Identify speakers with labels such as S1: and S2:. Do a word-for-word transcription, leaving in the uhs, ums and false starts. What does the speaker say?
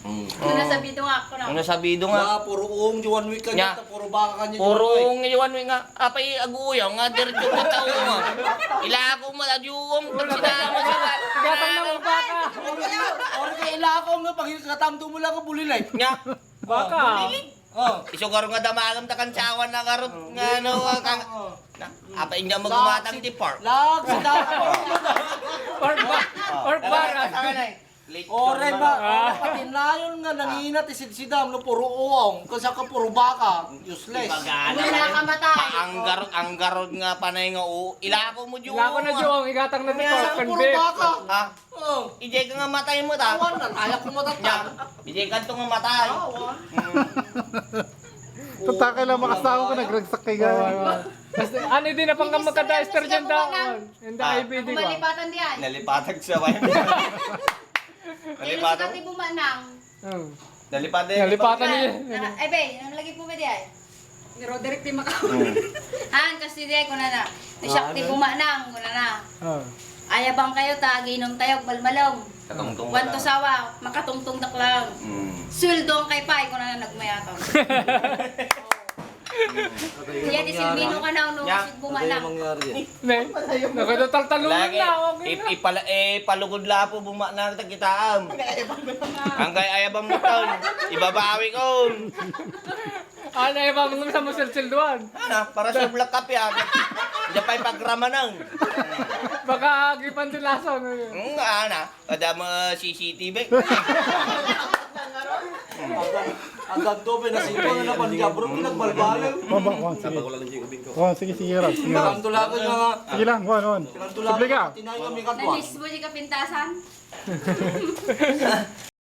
S1: Kung nasabido nga ako na.
S2: Kung nasabido nga.
S3: Nga, puro uong Juan Week kanya,
S2: Nya.
S3: puro baka kanya.
S2: Purong iwan mo nga. Apay aguyaw nga. Diretso ka tao nga. Ila ako maladyuwang. Pag sinama sa ka.
S4: Gatang na mga baka.
S3: Ori ka ilakong nga, pag katamdo mo lang ka bulilay.
S2: Nga.
S4: Baka.
S3: Oh.
S2: Isugaro nga damagam ta kansawan na karot nga ano kang apay nga magumatang di park.
S3: Lag, sa dako.
S4: Or ba? Or bara.
S3: Ore ba? Pati layon nga nanginat isid-sidam no puro uong. Kasi ka puro baka, useless.
S1: Wala ka matay.
S2: Ang garot ang garot nga panay nga o ilako mo jud.
S4: Wala ko na Jong, igatang na dito.
S3: Kaya puro
S4: Convict.
S3: baka.
S2: Ha?
S3: Oh.
S2: Ijay ka nga matay mo ta.
S3: Awan na, kaya ko matatag.
S2: Ijay ka to nga matay.
S5: Tataka lang makasama ko nagragsak kay gano'n.
S4: Basta, ano din na pang magka-diester dyan daon. Hindi
S2: Ah.
S4: I B D ko.
S1: Kumalipatan diyan.
S2: Nalipatag sa way.
S1: Kaya
S2: Nalipatag.
S1: sa kati bumanang.
S4: Hmm.
S2: Nalipatag.
S4: Nalipatan niya.
S1: Ay, be, ang lagi po ba diyan? Ni Roderick di makaw. Han, kasi diyan ko na na. Ni Shakti bumanang, ko na na.
S4: Oh.
S1: Ayabang kayo ta, ginom tayo, balmalong.
S2: Katungtong.
S1: Wanto sawa, makatungtong daklang.
S2: Mm.
S1: Suldo ang kay Pai, ko na na nagmayatang. Kaya di silbino ka na, no,
S2: Ya.
S1: kasi bumanang.
S4: Ne, nakadataltalunan
S2: Lagi,
S4: na. Okay na.
S2: ip- ipala, eh, palugod la po buma na tagkitaam. Ang kay ayabang mo taon, ibabawi ko.
S4: Ano yung mga sa musilsilduan?
S2: Ano, para sa black cap yan. Diyan pa ipagrama nang.
S4: Baka agipan din lason.
S2: Hmm, ano, kada mo C C T V.
S3: Agad to, pinasito na naman niya, bro, pinagbalbalaw.
S5: Baba, Juan, sige. Juan, sige, sige, Ram. Sige, Ram.
S3: Pinagtulakan nga,
S5: Sige lang, Juan, Juan.
S3: pinagtulakan
S5: Subli ka.
S3: nga, tinayo kami katwa.
S1: Nanis mo di ka pintasan?